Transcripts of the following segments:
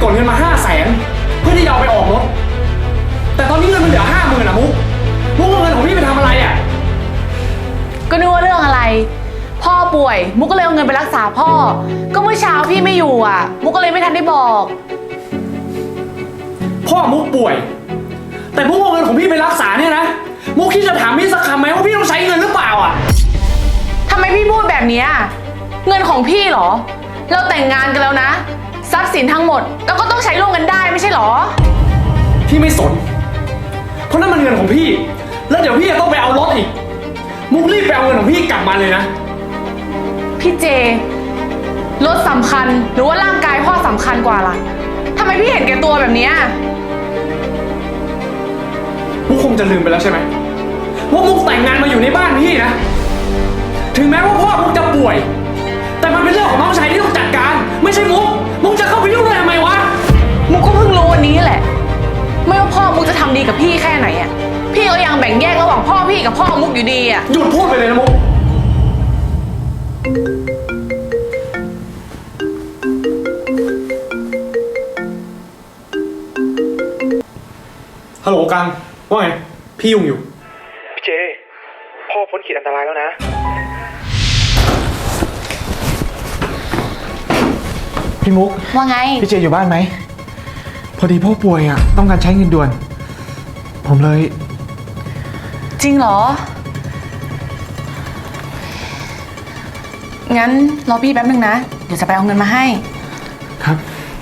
กดเงินมา500,000เพื่อที่จะเอาไปออกรถแต่ตอนนี้เงินมันเหลือ50,000อะมุกเอาเงินของพี่ไปทำอะไรอะก็นึกว่าเรื่องอะไรพ่อป่วยมุกก็เลยเอาเงินไปรักษาพ่อก็เมื่อเช้าพี่ไม่อยู่อ่ะมุกก็เลยไม่ทันได้บอกพ่อมุกป่วยแต่มุกเอาเงินของพี่ไปรักษาเนี่ยนะมุกคิดจะถามพี่สักคำไหมว่าพี่ต้องใช้เงินหรือเปล่าอะทำไมพี่พูดแบบนี้เงินของพี่เหรอเราแต่งงานกันแล้วนะทรัพย์สินทั้งหมดเราก็ต้องใช้ร่วมกันได้ไม่ใช่เหรอพี่ไม่สนเพราะนั่นมันเงินของพี่แล้วเดี๋ยวพี่จะต้องไปเอารถอีกมุกรีบไปเอาเงินของพี่กลับมาเลยนะพี่เจรถสำคัญหรือว่าร่างกายพ่อสำคัญกว่าล่ะทำไมพี่เห็นแก่ตัวแบบนี้มุกคงจะลืมไปแล้วใช่ไหมว่ามุกแต่งงานมาอยู่ในบ้านพี่นะถึงแม้ว่าพ่อมุกจะป่วยแต่มันเป็นเรื่องของน้องชายที่ต้องจัดการไม่ใช่มุกจะเข้าไปยุ่งด้วยทำไมวะมุกก็เพิ่งรู้วันนี้แหละไม่ว่าพ่อมุกจะทำดีกับพี่แค่ไหนพี่ก็ยังแบ่งแยกระหว่างพ่อพี่กับพ่อมุกอยู่ดีหยุดพูดไปเลยนะมุกฮัลโหลกันว่าไงพี่ยุ่งอยู่พี่เจพ่อพ้นขีดอันตรายแล้วนะพี่มุกว่าไงพี่เจอยู่บ้านไหมพอดีพ่อป่วยอ่ะต้องการใช้เงินด่วนผมเลยจริงเหรองั้นรอพี่แป๊บนึงนะเดี๋ยวจะไปเอาเงินมาให้ครับ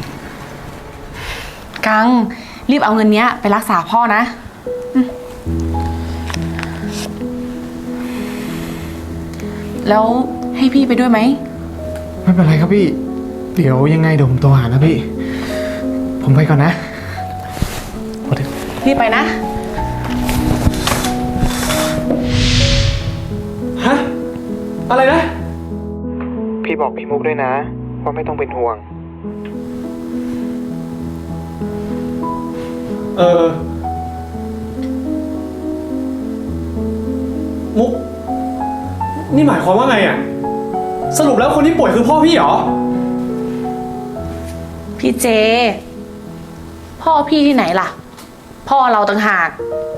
กังรีบเอาเงินเนี้ยไปรักษาพ่อนะแล้วให้พี่ไปด้วยไหมไม่เป็นไรครับพี่เดี๋ยวยังไงเดี๋ยวผมโทรหานะพี่ผมไปก่อนนะรีบไปนะฮะอะไรนะพี่บอกพี่มุกด้วยนะว่าไม่ต้องเป็นห่วงมุกนี่หมายความว่าไงอ่ะสรุปแล้วคนที่ป่วยคือพ่อพี่เหรอพี่เจพ่อพี่ที่ไหนล่ะพ่อเราต่างหาก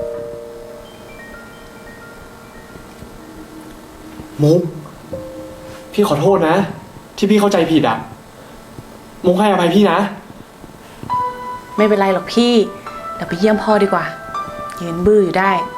มุกพี่ขอโทษนะที่พี่เข้าใจผิดอ่ะมุกให้อภัยพี่นะไม่เป็นไรหรอกพี่เดี๋ยวไปเยี่ยมพ่อดีกว่ายืนบื้ออยู่ได้